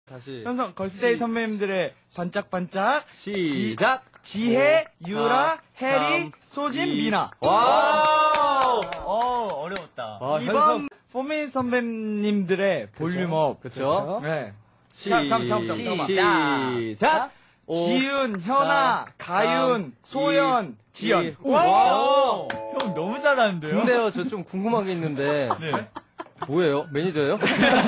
다시 현성 걸스데이 선배님들의 반짝반짝 시작. 지혜, 유라, 해리, 소진, 미나. 와. 어려웠다. 와, 이번 포메인 선배님들의 볼륨업. 그쵸? 네. 잠깐만. 시작. 지윤, 현아, 가윤, 소연, 지연. 와. 형 너무 잘하는데요? 근데요, 저 좀 궁금한 게 있는데. 네. 뭐예요? 매니저예요?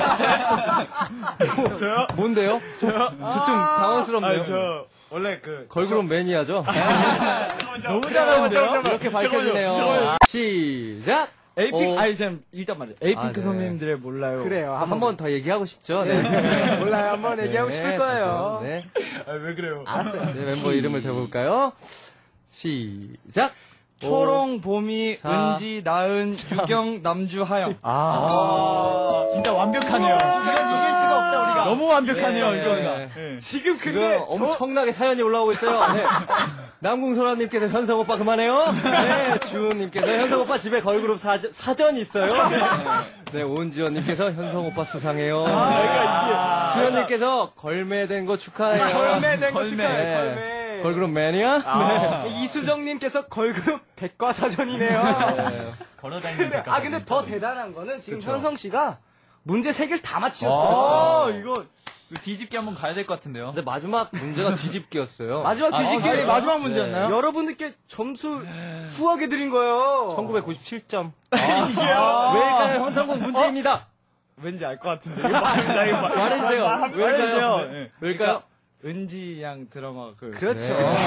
저요? 뭔데요? 저요? 저 좀 당황스럽네요. 저 원래 그 걸그룹 매니아죠? 너무 잘하는데요? 이렇게 밝혀지네요. 잠깐만요. 시작! 에이핑, 일단 말이에요. 에이핑크 네. 선배님들의 몰라요. 그래요. 한 번 더 얘기하고 싶죠? 네. 몰라요. 한번 얘기하고 네, 싶을 거예요. 네. 왜 그래요? 알았어요. 네, 멤버 이름을 대볼까요? 시작! 초롱, 봄이, 자. 은지, 나은, 유경, 남주, 하영. 진짜 완벽하네요. 지금 이길 수가 없다, 우리가. 너무 완벽하네요, 네. 이거가. 네. 지금 지금 엄청나게 사연이 올라오고 있어요. 네. 남궁소라님께서 현성 오빠 그만해요. 네, 주은님께서 현성 오빠 집에 걸그룹 사전이 있어요. 네, 오은지원님께서 현성 오빠 수상해요. 수현님께서 걸매된 거 축하해요. 걸매된 거 걸매. 축하해, 네. 걸매. 걸그룹 매니아? 네. 이수정님께서 걸그룹 백과사전이네요. 걸어다니는 근데 더 대단한 거는 지금 그쵸. 현성 씨가 문제 3개를 다 맞히셨어요. 이거 뒤집기 한번 가야 될 것 같은데요. 근데 마지막 문제가 뒤집기였어요. 마지막 뒤집기 네, 마지막 문제였나요? 여러분들께 점수 후하게 드린 거예요. 1997점. 왜일까요? 현성군 문제입니다. 왠지 알 것 같은데. 이거 말해주세요. 말해주세요. 왜일까요? 네. 왜일까요? 은지 양 드라마 그. 그렇죠.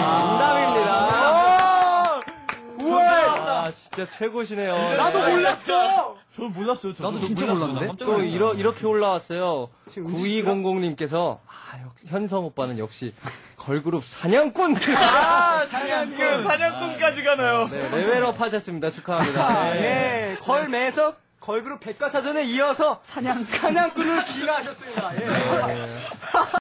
정답입니다. 우와! 진짜 최고시네요. 나도 몰랐어! 저는 몰랐어요. 나도 진짜 몰랐는데? 또 이렇게 올라왔어요. 9200님께서 현성 오빠는 역시 걸그룹 사냥꾼. 사냥꾼까지 가나요? 네, 레벨업 하셨습니다. 축하합니다. 네. 예, 걸매에서 걸그룹 백과사전에 이어서 사냥꾼으로 진화하셨습니다. 예.